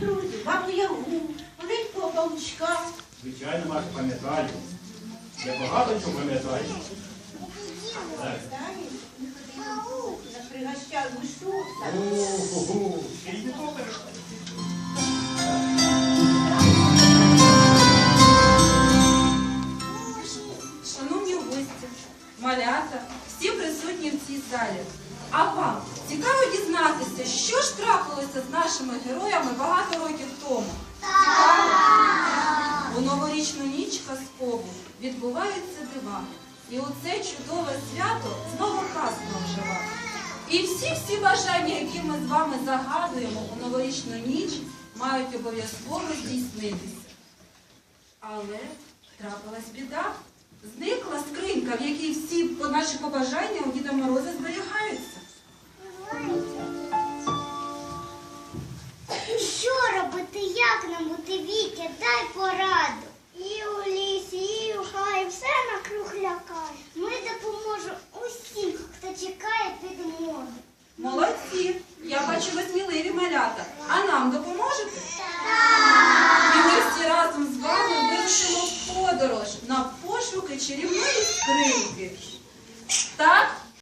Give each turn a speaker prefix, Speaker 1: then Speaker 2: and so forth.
Speaker 1: друзів, Бабу Ягу, маленького павучка.
Speaker 2: Звичайно, Маш, пам'ятаю. Я багато чого пам'ятаю.
Speaker 1: Пригощав мишу.
Speaker 2: Ого, ще й не добре.
Speaker 3: Шановні гості, малята, всі присутні в цій залі. А вам цікаво дізнатися, що ж трапилося з нашими героями багато років тому? Цікаво? У новорічну ніч казкову відбуваються дива. І у це чудове свято знову казка ожива. І всі бажання, які ми з вами загадуємо у новорічну ніч, мають обов'язково здійснитися. Але трапилась біда. Зникла скринька, в якій всі наші побажання у Діда Мороза зберігаються.
Speaker 4: Що робити, як нам бути, Вітя, дай пораду. І у лісі, і у хаї, все накруг лякає. Ми допоможемо усім, хто чекає підмоги.
Speaker 3: Молодці! Я бачу, ви сміливі малята. А нам допоможете? Так! І ми всі разом з вами вирушимо в подорож на пошуки чарівної скриньки. Так?